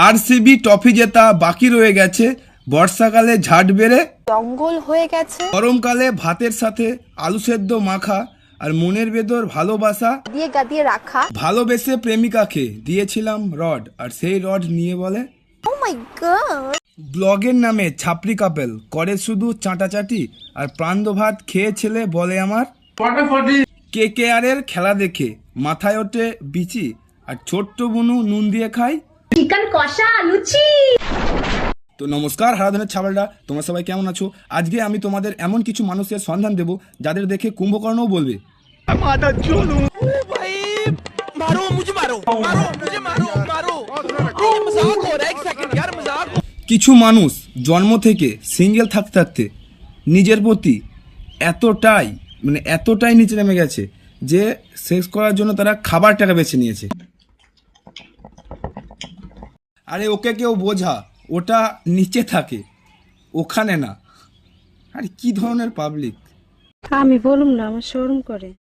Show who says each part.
Speaker 1: RCB trophy জেতা বাকি রয়ে গেছে, বর্ষাকালে ঝাড় বেড়ে
Speaker 2: জঙ্গল হয়ে গেছে,
Speaker 1: গরমকালে ভাতের সাথে আলু সেদ্ধ মাখা, আর মনের ভেতর ভালোবাসা
Speaker 2: দিয়ে গাদিয়ে রাখা।
Speaker 1: ভালোবেসে প্রেমিকাকে দিয়েছিলাম রড, আর সেই রড নিয়ে বলে
Speaker 2: ও মাই গড।
Speaker 1: ব্লগের নামে ছাপরি কাপেল করে শুধু চাটাচাটি, আর প্রান্ত ভাত খেয়ে ছেলে বলে আমার KKR-এর খেলা দেখে মাথায় ওঠে বিচি, আর ছোট্ট বুনু নুন দিয়ে খায়
Speaker 3: চিকেন কষা লুচি।
Speaker 1: তো নমস্কার হারাধনের ছাবালরা, তোমরা সবাই কেমন আছো? আজকে আমি তোমাদের এমন কিছু মানুষের সন্ধান দেব যাদের দেখে কুম্ভকর্ণও বলবে কিছু মানুষ জন্ম থেকে সিঙ্গেল থাকতে থাকতে নিজের প্রতি এতটাই নিচে নেমে গেছে যে সেক্স করার জন্য তারা খাবারটাকে বেছে নিয়েছে। আরে ওকে কেউ বোঝা, ওটা নিচে থাকে, ওখানে না। আরে কি ধরনের পাবলিক!
Speaker 4: আমি বলুম না, আমার শরম করে।